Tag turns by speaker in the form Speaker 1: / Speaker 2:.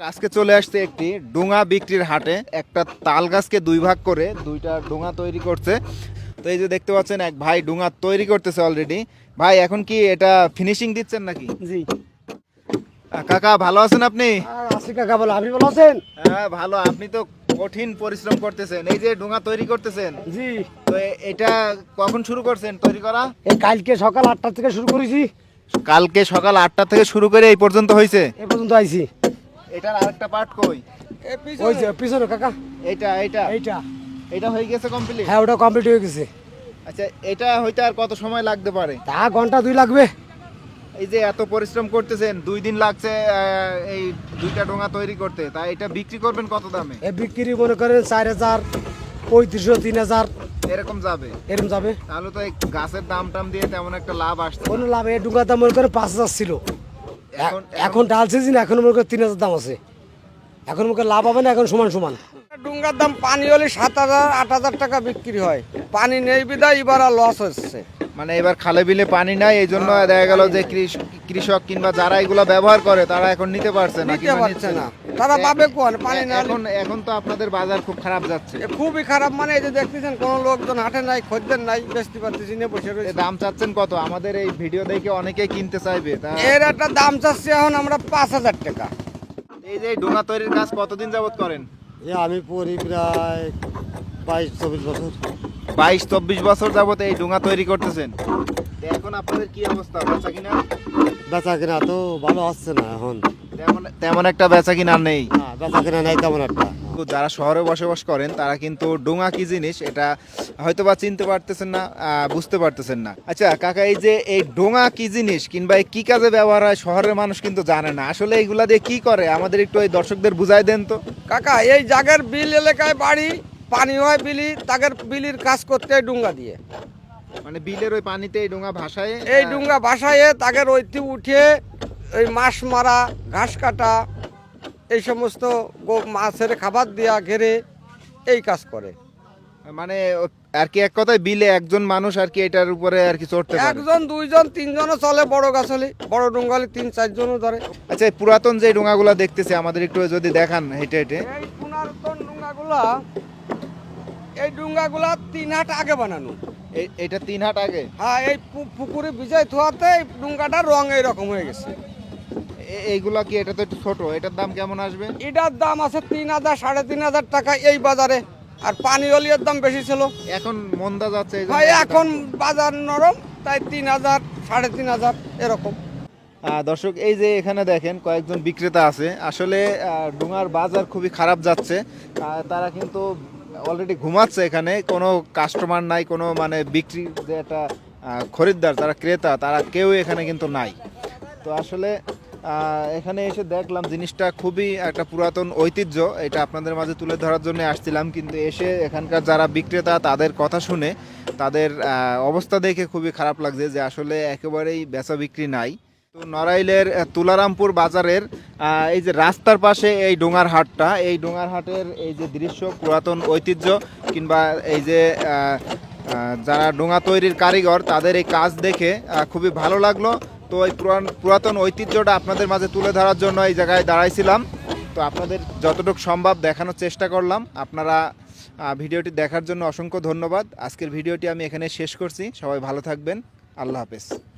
Speaker 1: আজকে চলে আসছে একটি ডোঙা বিক্রির হাটে। একটা তাল গাছকে দুই ভাগ করে দুইটা ডোঙা তৈরি করছে। তো এই যে দেখতে পাচ্ছেন এক ভাই ডোঙা তৈরি করতেছে অলরেডি। ভাই এখন কি এটা ফিনিশিং দিচ্ছেন নাকি?
Speaker 2: জি।
Speaker 1: কাকা ভালো আছেন আপনি?
Speaker 2: আছি কাকা, বলো আপনি ভালো আছেন?
Speaker 1: হ্যাঁ ভালো। আপনি তো কঠিন পরিশ্রম করতেছেন, এই যে ডোঙা তৈরি করতেছেন।
Speaker 2: জি।
Speaker 1: তো এটা কখন শুরু করছেন তৈরি করা?
Speaker 2: এই কালকে সকাল 8টা থেকে শুরু করেছি,
Speaker 1: কালকে সকাল 8টা থেকে শুরু করে এই পর্যন্ত হয়েছে।
Speaker 2: এ পর্যন্ত আইছি।
Speaker 1: এটার আরেকটা পার্ট কই?
Speaker 2: ওই যে পিছনে কাকা,
Speaker 1: এইটা এইটা
Speaker 2: এইটা।
Speaker 1: এটা হয়ে গেছে কমপ্লিট?
Speaker 2: হ্যাঁ, ওটা কমপ্লিট হয়ে গেছে।
Speaker 1: আচ্ছা, এটা হইতে আর কত সময় লাগতে পারে?
Speaker 2: তা ঘন্টা 2 লাগবে।
Speaker 1: এই যে এত পরিশ্রম করতেছেন, 2 দিন লাগছে এই দুইটা ডোঙা তৈরি করতে, তা এটা বিক্রি করবেন কত দামে?
Speaker 2: এ বিক্রি মনে করেন 4000, 3500, 3000
Speaker 1: এরকম যাবে?
Speaker 2: এরকম যাবে।
Speaker 1: তাহলে তো এই গাছের দাম টাম দিয়ে তেমন একটা লাভ আসছে
Speaker 2: কোনো
Speaker 1: না।
Speaker 2: লাভ, এই ডুঙ্গার দাম মনে করেন 5000 ছিল। এখন ডাল সিজন, এখন মনে করেন 3000 দাম আছে। এখন মনে করেন লাভ হবে না, এখন সমান সমান।
Speaker 3: ডুঙ্গার দাম পানি হলে 7000 8000 টাকা বিক্রি হয়। পানি নেই বিদায় এবার লস হচ্ছে।
Speaker 1: মানে এবার খালে বিলে পানি নাই, এই জন্য দেখা গেল যে কৃষক কিংবা যারা এগুলা ব্যবহার করে তারা এখন নিতে পারছে না,
Speaker 3: নিতে
Speaker 1: কিংবা
Speaker 3: পারছে
Speaker 1: নিচ্ছে
Speaker 3: না। তারা পাবে কোন পানি না?
Speaker 1: এখন এখন তো আপনাদের বাজার খুব খারাপ যাচ্ছে।
Speaker 3: খুবই খারাপ, মানে এই যে দেখতেছেন কোনো লোকজন হাটে নাই, খদ্দের নাই, বেচতে পারতেছি না, বসে
Speaker 1: এ
Speaker 3: রয়েছে।
Speaker 1: দাম চাচ্ছেন কত? আমাদের এই ভিডিও দেখে অনেকেই কিনতে চাইবে। তা
Speaker 3: এর একটা দাম চাচ্ছি এখন আমরা 5000 টাকা।
Speaker 1: এই যে ডোঙা তৈরির কাজ কতদিন যাবত করেন?
Speaker 2: আমি পড়ি প্রায় 22-24 বছর।
Speaker 1: 22-24 বছর যাবত এই ডোঙা তৈরি করতেছেন। তো এখন আপনাদের কি অবস্থা, বেচা কিনা?
Speaker 2: বেচা কিনা তো ভালো হচ্ছে না এখন।
Speaker 1: তেমন তেমন একটা বেচা কিনা নেই।
Speaker 2: না, বেচা কিনা নাই তেমন একটা।
Speaker 1: তো যারা শহরে বসবাস করেন তারা কিন্তু ডোঙা কি জিনিস এটা হয়তো বা চিনতে পারতেছেন না, বুঝতে পারতেছেন না। আচ্ছা কাকা, এই যে এই ডোঙা কি জিনিস কিংবা এই কি কাজে ব্যবহার হয় শহরের মানুষ কিন্তু জানে না। আসলে এইগুলা দিয়ে কি করে আমাদের একটু এই দর্শকদের বুঝাই দেন তো।
Speaker 3: কাকা, এই জাগের বিল এলাকায় বাড়ি, পানি হয় বিলি, তাদের বিলির কাজ করতে হয় ডুঙ্গা দিয়ে।
Speaker 1: মানে বিলের ওই পানিতে এই ডোঙা ভাসায়?
Speaker 3: এই ডুঙ্গা ভাসায় তাদের ঐতি উঠে এই মাছ মারা, ঘাস কাটা, এই সমস্ত মাছের খাবার দেওয়া, ঘেরে এই কাজ করে।
Speaker 1: মানে আর কি এক কথায় বিলে একজন মানুষ আর কি এটার উপরে আর কি চড়তে পারে?
Speaker 3: 1 জন 2 জন 3 জনও চলে, বড় গাছ হলে, বড় ডুঙ্গা হলে 3-4 জনও ধরে।
Speaker 1: আচ্ছা, এই পুরাতন যে ডোঙাগুলা দেখতেছি আমাদের একটু যদি দেখান হেঁটে হেঁটে।
Speaker 3: এই পুনরুত্তন ডুঙ্গাগুলা, এই ডুঙ্গাগুলা 3 হাট আগে বানানো।
Speaker 1: এটা 3 হাট আগে?
Speaker 3: হ্যাঁ, এই পুকুরে ভিজাই থোয়াতে এই ডুঙ্গাটার রং এইরকম হয়ে গেছে।
Speaker 1: এইগুলা কি, এটা তো একটু ছোট, এটার দাম কেমন আসবে?
Speaker 3: এটার দাম আছে 3000 3500 টাকা এই বাজারে, আর পানি হলিয়ার দাম বেশি ছিল।
Speaker 1: এখন মন্দা যাচ্ছে এই জন্য
Speaker 3: ভাই
Speaker 1: এত দাম।
Speaker 3: এখন বাজার নরম, তাই 3000 3500 এরকম।
Speaker 1: দর্শক, এই যে এখানে দেখেন কয়েকজন বিক্রেতা আছে। আসলে ডোঙার বাজার খুবই খারাপ যাচ্ছে। তারা কিন্তু অলরেডি ঘুমাচ্ছে, এখানে কোনো কাস্টমার নাই, কোনো মানে বিক্রি যে একটা খরিদ্দার, তারা ক্রেতা, তারা কেউ এখানে কিন্তু নাই। তো আসলে এখানে এসে দেখলাম জিনিসটা খুবই একটা পুরাতন ঐতিহ্য, এটা আপনাদের মাঝে তুলে ধরার জন্য আসছিলাম। কিন্তু এসে এখানকার যারা বিক্রেতা তাদের কথা শুনে তাদের অবস্থা দেখে খুবই খারাপ লাগছে যে আসলে একেবারেই বেচা বিক্রি নাই। তো নড়াইলের তুলারামপুর বাজারের এই যে রাস্তার পাশে এই ডোঙার হাটটা, এই ডোঙার হাটের এই যে দৃশ্য, পুরাতন ঐতিহ্য কিংবা এই যে যারা ডোঙা তৈরির কারিগর তাদের এই কাজ দেখে খুবই ভালো লাগলো। তো এই পুরাতন ঐতিহ্যটা আপনাদের মাঝে তুলে ধরার জন্য এই জায়গায় দাঁড়াইছিলাম। তো আপনাদের যতটুকু সম্ভব দেখানোর চেষ্টা করলাম। আপনারা ভিডিওটি দেখার জন্য অসংখ্য ধন্যবাদ। আজকের ভিডিওটি আমি এখানে শেষ করছি। সবাই ভালো থাকবেন। আল্লাহ হাফেজ।